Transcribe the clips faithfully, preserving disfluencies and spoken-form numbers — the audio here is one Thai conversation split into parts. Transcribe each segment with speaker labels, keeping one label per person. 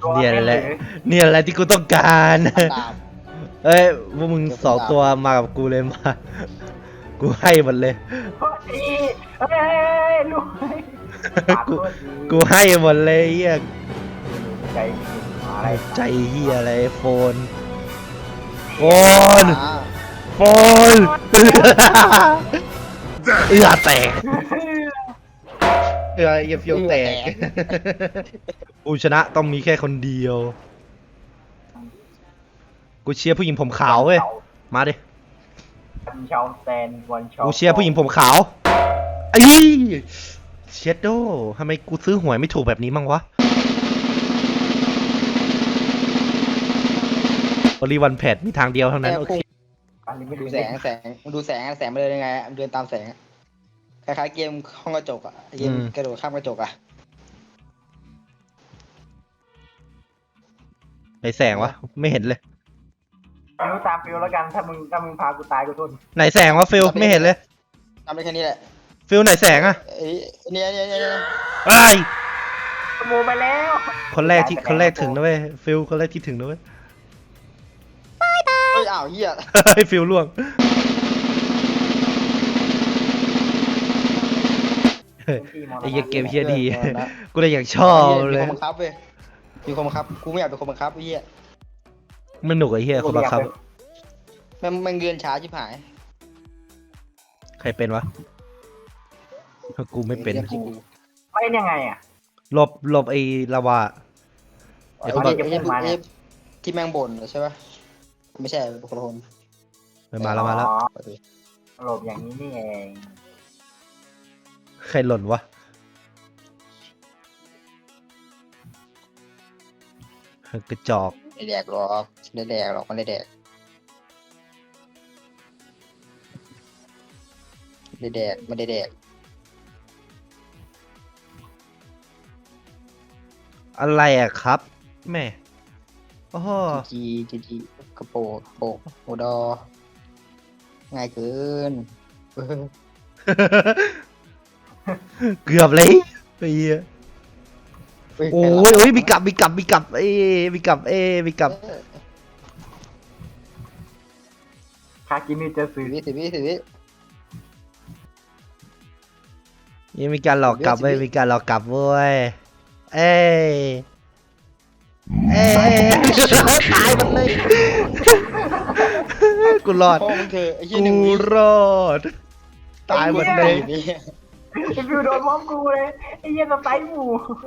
Speaker 1: เนี่ยแหละเนี่ยแหละที่กูต้องการเอ้ยพวกมึงสองตัวมากับกูเลยมากูให้หมดเลย
Speaker 2: เฮ้ยลูก
Speaker 1: กูกูให้หมดเลยเฮีย
Speaker 2: ใจอะไร
Speaker 1: ใจเฮียอะไรโฟนโฟนโฟนเอือแตกเอือเอียเฟียวแตกกูชนะต้องมีแค่คนเดียวกูเชียร์ผู้หญิงผมขาวเว้ยมาดิ
Speaker 2: วันชาวแซนวันชาว
Speaker 1: กูเชียร์ผู้หญิงผมขาวไอ้เชดโดทำไมกูซื้อหวยไม่ถูกแบบนี้มั่งวะโอลิวันแพดมีทางเดียวเท่านั้นโอเค
Speaker 3: ดูแสงแสงดูแสงแสงมาเลยยังไงเดินตามแสงคล้ายๆเกมห้องกระจกอ่ะเกมกระโดดข้ามกระจกอ่ะ
Speaker 1: ไหนแสงวะไม่เห็นเลย
Speaker 2: ไม่รู้ตามฟิลแล้วกันถ้ามึงถ้ามึงพากูตายกูทน
Speaker 1: ไหนแสงวะฟิลไม่เห็นเลย
Speaker 3: ทำได้แค่นี้แหละ
Speaker 1: ฟิลไหนแสงอะ
Speaker 3: ไอ้เนี่ยเนี่ยเนี่ย
Speaker 1: ไอ้
Speaker 2: ขโมยไปแล้ว
Speaker 1: คนแรกที่คนแรกถึงนะเว้ยฟิลคนแรกที่ถึงนะเว้ย
Speaker 3: เฮ้ยอ้าวเหี้ย
Speaker 1: ไอ้ฟิลล่วงไอ้เกมเฮียดีกูเลยอยากชอบเลย
Speaker 3: มีคนบังคับเว้ยมีคนบังคับกูไม่อยากเป็นคนบังคับไอ้เหี้ย
Speaker 1: มันหนุกไอ้เฮียคนบังคับ
Speaker 3: มันมันเงินช้าชิบหาย
Speaker 1: ใครเป็นวะกูไม่เป็น
Speaker 2: เป็นยังไงอ่ะ
Speaker 1: หลบหลบไอ้ลาวา
Speaker 3: ไอ้คนแบบที่แมงบ่นใช่ปะไม่ใช่เป็นคนคน
Speaker 1: มาแล้วมาแล้ว
Speaker 2: หลบอย่างนี้นี่เอง
Speaker 1: ใครหล่นวะกระจอก
Speaker 3: ไม่แดกหรอกไม่แดกหรอกมันไม่แดกไม่แดกไม่ได้แดก
Speaker 1: อะไรอะครับแม่โอ้โห
Speaker 3: จีจีจีกระโปงโปกโอดอง่ายเกิน
Speaker 1: เกือบเลยไอ้เหี้ยโอ้ยโอ้ยมีกลับมีกลับมีกลับเอ้มีกลับเอ้มีกลับ
Speaker 2: คากิมิจะซื้อ
Speaker 3: วิสิวิสิวิ
Speaker 1: ยังมีการหลอกกลับเว้ยมีการหลอกกลับเว้ยเอ้เอ้ตายหมดเลยกูรอดกูรอดตายหมดเลย
Speaker 2: ไอ้ฟิวโดนมอมกูเลยไอ้เหี้ยสไปหมู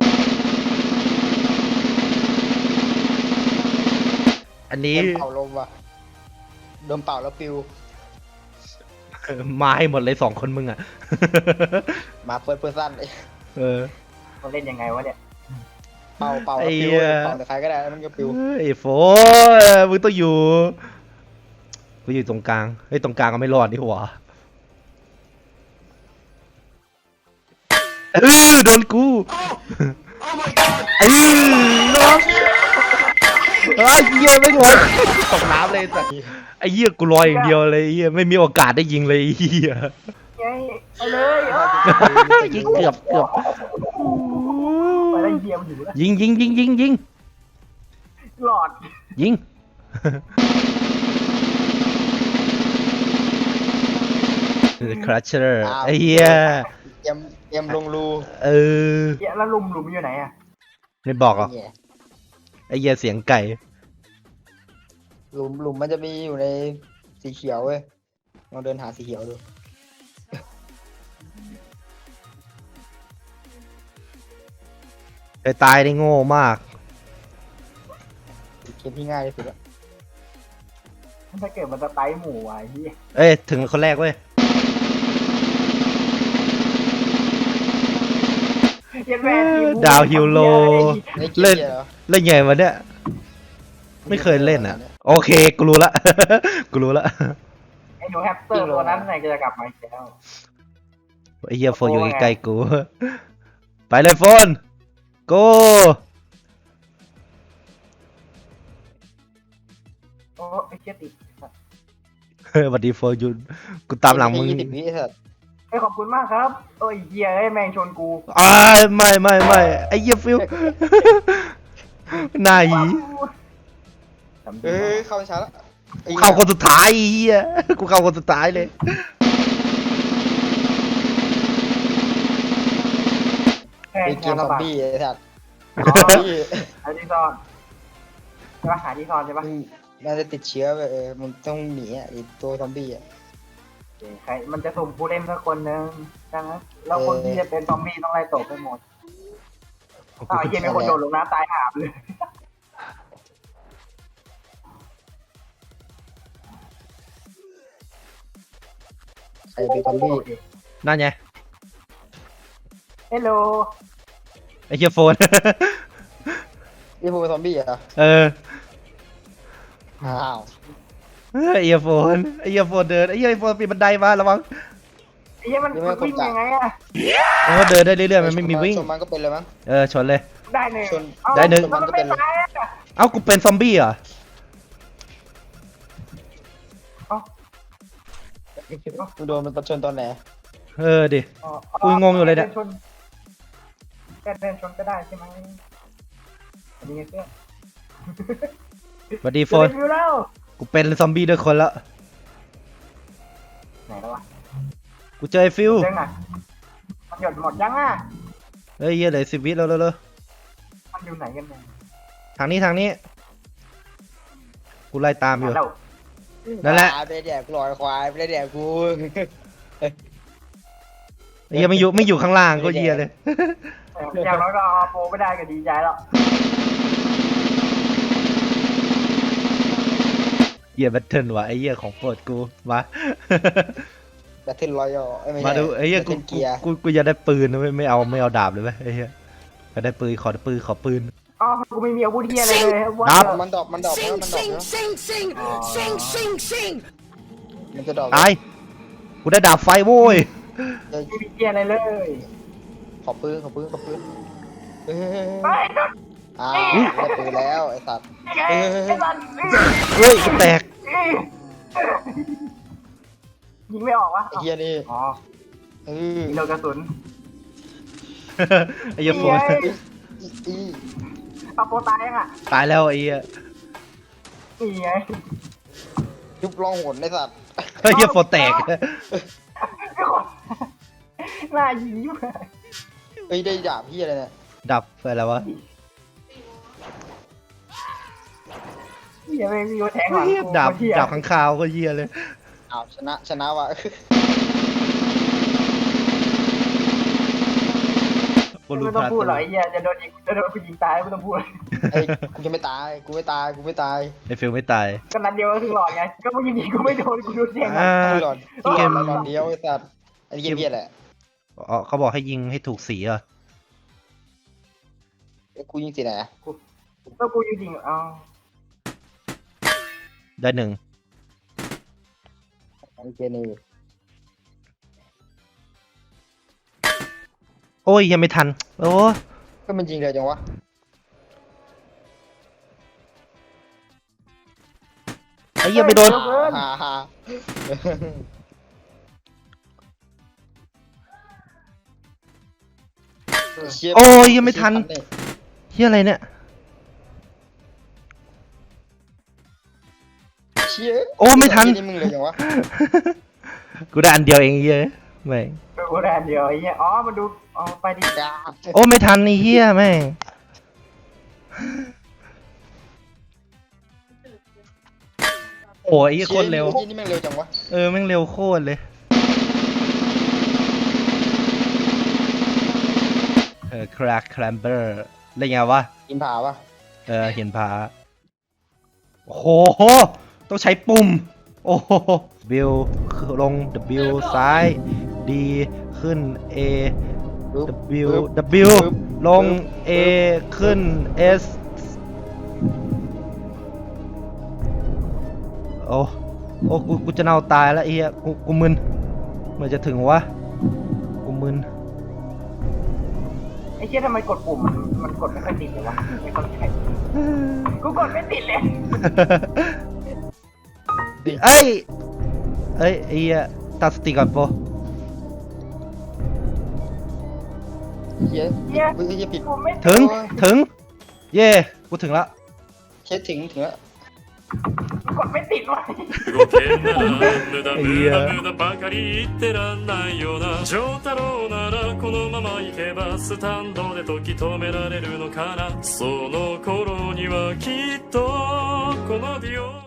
Speaker 1: อันนี้
Speaker 3: เป่าลมว่ะโดนเป่าแล้วฟิว
Speaker 1: มาให้หมดเลยสองคนมึงอ่ะ
Speaker 3: มาเปิดเปิดสั้นเลย
Speaker 1: เออ
Speaker 2: เขาเล่นยังไงวะเนี่ย
Speaker 3: เป่าเป่าแล้วฟิวเป่าแต่ใครก็ได้มันก็ฟิว
Speaker 1: ไอ้โฟมึงต้องอยู่กูอยู่ตรงกลางไอ้ตรงกลางก็ไม่รอดนี่หัวเออโดนกูไอ้น้องไอ้เหี้ยไม่งอยตกน้ำเลยสัตว์ไอ้เหี้ยกูลอยอย่างเดียวเลยเหี้ยไม่มีโอกาสได้ยิงเลยเหี้ย
Speaker 2: ไปเลย
Speaker 1: ยิงเกือบเกือบยิงยิงยิงยิงยิง
Speaker 2: หลอด
Speaker 1: ยิงครัชเชอร์ไอ้เหี้ย
Speaker 3: เอ็มเอ็มลงรู
Speaker 1: เออ
Speaker 2: แล้วลุมหลุมอยู่ไหนอ่ะ
Speaker 1: ไม่บอกหรอไอ้เหี้ยเสียงไก่
Speaker 3: หลุมหลุมมันจะมีอยู่ในสีเขียวเว้ยลองเดินหาสีเขียวดู
Speaker 1: ไอ้ตายได้โง่มาก
Speaker 3: เกมที่ง่ายที่สุดละ
Speaker 2: ถ้าเกิดมันจะไตหมูไอ้ที่
Speaker 1: เอ้ยถึงคนแรกเว้ยดาวฮิวโลเล่นเล่นไงวะเนี่ยไม่เคยเล่นอ่ะโอเคกูรู้ละกูรู้ละ
Speaker 2: ไอ้หนูแฮปสเตอร์ตัวนั้นไหนจะกลับมาอีกแล้ว
Speaker 1: ไอ้เหี้ยโฟนอยู่ใกล้ๆกูไปเลยโฟนโก
Speaker 2: โอ้ไอ้เจี๊ยติด
Speaker 1: เฮ้ยวันดีโฟนยุนกูตามหลังมึง
Speaker 2: ไอ้ขอบคุณมากครับโอ้ยเหี้ยไอ้แมงชนกู
Speaker 1: อ่าไม่ไม่ไม่ไอ้เหี้ยฟิวหน้าหี
Speaker 3: เออเข้าช้าแล้วไอ้
Speaker 1: เข้าคนสุดท้ายไอ้เหี้ยกูเข้าคนสุดท้ายเลย
Speaker 2: แค่
Speaker 3: ไอ้เกมซอมบี้ไอ้สัตว์
Speaker 2: อ๋อหาที่ซ่อนใช่ปะหาที่ซ่อนใช่ปะ
Speaker 3: มึงมันจะติดเชื้อไปเออมันต้องหนีอ่ะไอ้ตัวซอมบี้อ่ะ
Speaker 2: ใครมันจะสุ่มผู้เล่นสักคนหนึ่งดังนั้นแล้วคนที่จะเป็นซอมบี้ต้องไล่ตบไปหมดอ้าวไอ้เหี้ยมีคนโดดลงน้ำตายหาบเลย
Speaker 3: ใครเป็นซอมบี้
Speaker 1: นั่นไง
Speaker 2: เฮลโล
Speaker 1: ไอ้เหี้ยโฟน
Speaker 3: นี่พวกเป็นซอมบี้เหรอ
Speaker 1: เออ
Speaker 3: อ้าว
Speaker 1: ไอ้เหี้ยโฟนไอ้เหี้ยโฟนเดินไอ้เหี้ยโฟนปีนบันไดมาระวัง
Speaker 2: ไอ้เหี้ยมันมันวิ่งยังไงอะ
Speaker 1: มันก็เดินได้เรื่อยๆมันไม่มีวิ่ง
Speaker 3: ชนมันก็เป็นเลยมั้ง
Speaker 1: เออชนเลย
Speaker 2: ได้หนึ่ง
Speaker 3: ชน
Speaker 2: เอา
Speaker 1: ได้หนึ่ง
Speaker 2: แล้วมันไม่ตายอะ
Speaker 1: เอ้ากูเป็นซอมบี้เหรอ
Speaker 2: เอ้า
Speaker 3: มึงโดนมันประชนตอนไหน
Speaker 1: เออดิ
Speaker 2: อ๋อ
Speaker 1: กูงงอยู่เลยเนี่ย
Speaker 2: ดิชนแค่เดินชนก็ได้ใช่ไหมอันนี้ไงเพื่อน
Speaker 1: สวัสดีโฟน
Speaker 2: จะได้วิวแล้ว
Speaker 1: กูเป็นซอมบี้ด้วยคนแล้ว
Speaker 2: ไหนแล้ววะ
Speaker 1: กูเจอไอ้ฟิว
Speaker 2: เรื่องอ่ะมันหยดหมดยังอ่ะ
Speaker 1: เฮ้ยเหี้ยเหลือสิบวิแล้วเร็ว
Speaker 2: มันอยู่ไหนกันเนี่ย
Speaker 1: ๆทางนี้ทางนี้ กูไล่ตามอยู่
Speaker 2: แล้ว
Speaker 1: นั่นแหละ
Speaker 3: ไปแดกกูลอยควายไปแดกกู
Speaker 1: ไอ้เหี้ยไม่อยู่ไม่อยู่ข้างล่างก็เหี้ยเลย
Speaker 2: อย่างน้อยก็เอาโปรไม่ได้ก็ดีใจแล้ว
Speaker 1: เหี้ยแบทเทิลว่ะไอ้เหี้ยของโปรดกูมา
Speaker 3: แบทเทิลรอยัล
Speaker 1: มาดูไอ้เหี้ยกู
Speaker 3: เกียร์
Speaker 1: กูกูอยากได้ปืนนะไม่ไม่เอาไม่เอาดาบเลยไหมไอ้เหี้ยอยากได้ปืนขอปืนขอปืน
Speaker 2: อ๋อกูไม่มีอาวุธเทียอะไรเลย
Speaker 1: ครับ
Speaker 3: มันดอกมันดอกเพราะว่ามันดอก
Speaker 4: Sing,
Speaker 3: เนาะ
Speaker 4: sing, sing, sing, sing, sing.
Speaker 3: มันจะดอก
Speaker 1: ตายกูได้ดาบไฟโว้ย
Speaker 3: เดี๋ยว
Speaker 2: ไม่มีเทียอะไรเลย
Speaker 3: ขอปืนขอปืนขอปืนเฮ้ย
Speaker 2: ไปโดน
Speaker 3: อ้าวได้ปืนแล้วไอ้สัตว์
Speaker 2: ไอ้ไอ้สัน
Speaker 1: เฮ้ยกูแตก
Speaker 2: ยิงไม่ออกวะ
Speaker 3: ไอ้เหี้ยนี่
Speaker 2: อ๋อ
Speaker 3: เออ
Speaker 2: มีโลกระสุน
Speaker 1: ไอ้เหี้ยโฟน
Speaker 3: อี
Speaker 2: เอาโปรตายยังอ่ะ
Speaker 1: ตายแล้วไอ้เหี้ย
Speaker 2: นี่ไง
Speaker 3: ยุบลองหนไอ้สัตว์
Speaker 1: ไอ้เหี้ยโฟนแตก
Speaker 2: หน้ายิงยุ่ง
Speaker 3: เอ้ยได้ดาบเหี้ยอะไรเนี่ย
Speaker 1: ดับไปแล้ววะ
Speaker 2: เฮียไม่มีโอแทงหลัง
Speaker 1: เหี้ย
Speaker 2: กู
Speaker 1: ดาบ
Speaker 2: เหี้ย
Speaker 1: ดาบข้างคาวก็เหี้ยเลย
Speaker 3: อ้าวชนะชนะว่ะ
Speaker 1: บอลลู
Speaker 2: ไม่
Speaker 1: น
Speaker 2: ต้อง
Speaker 1: พา
Speaker 2: พูด
Speaker 1: ตัว
Speaker 2: หรอกไอ้เหี้ยจะโดนยิงจะโดนกูยิงตายไม่ต้องพูด
Speaker 3: ไอ้กูจะไม่ตายกูไม่ตายกูไม่ตาย
Speaker 1: ไอ้ฟิลไม่ตาย
Speaker 2: ก็นัดเดียวก็ถึงหลอดไงก็มึงยิงยิงกูไม่โดนกูโดนแทง
Speaker 1: อ่า
Speaker 3: ไอ้หลอด
Speaker 1: เกม
Speaker 3: หลอดเดียวไอ้สัตว์ไอ้เกมเหี้ยแหละ
Speaker 1: อ๋อเขาบอกให้ยิงให้ถูกสีเหรอ
Speaker 3: ไอ้กูยิงสีไหนอะ
Speaker 2: ก็กูยิงยิงเอา
Speaker 1: ได้หนึ่ง
Speaker 3: ไอ้เกมนี่
Speaker 1: โอ้ยยังไม่ทันโอ้
Speaker 3: ก็มันยิงเร็วจังวะ
Speaker 1: ไอ้เหี้ยไปโดน
Speaker 3: ฮ่าฮ่าเชี่
Speaker 1: โอ้ยยังไม่ทัน เหี้ยอะไรเนี่ย
Speaker 3: เชี่ย
Speaker 1: โอ้ไม่ทัน
Speaker 3: นี่มึงเร็วจังวะ
Speaker 1: กูได้อันเดียวเองไอ้เหี้ยแม่ง
Speaker 2: กูแดนเดียวไอ้เหี้ยอ๋อมันดูอ๋อไปดิ
Speaker 1: โอ้ไม่ทันไอ้เหี้ยแม่งโอ้ยไอ้เหี้ยโคตรเร็ว
Speaker 3: ชี่ยนี่แม่งเร็วจังวะ
Speaker 1: เออแม่งเร็วโคตรเลย เออคราคแคลมเบอร์อะไรเงี้ยวะ
Speaker 3: กินผาปะ
Speaker 1: เออเห็นผาโอ้โห ต้องใช้ปุ่ม โอ้โห W ลง W ซ้าย D ขึ้น A
Speaker 3: ปึ๊บ
Speaker 1: W
Speaker 3: ปึ๊บ
Speaker 1: W
Speaker 3: ปึ๊บ
Speaker 1: ลง A ขึ้น S โอ้โอ้กูกูจะเน่าตายแล้วไอ้เหี้ยกูกูมึนเมื่อจะถึงวะกูมึน
Speaker 2: ไอ้เชี่ยทำไมกดปุ่มมันมันกดไม่ค่อยติดเลยวะไม่เข้าใจกูกดไม่ติดเลย
Speaker 1: เอ้ยเอ้ยไอ้เหี้ยตัดสติก่อนโป
Speaker 3: เชี่ย
Speaker 2: เหี้ย
Speaker 3: เฮ้ยเชี่ยผิด
Speaker 2: กูไม่
Speaker 1: ถึงถึง เย่กูถึงละ
Speaker 3: เช็ดถึงถึงแล้ว
Speaker 2: กดไม่ติดวะ
Speaker 5: 動けんなら無駄無駄無駄ばかり言ってらんないよな丈太郎ならこのまま行けばスタンドで時止められるのかなその頃にはきっとこのディオ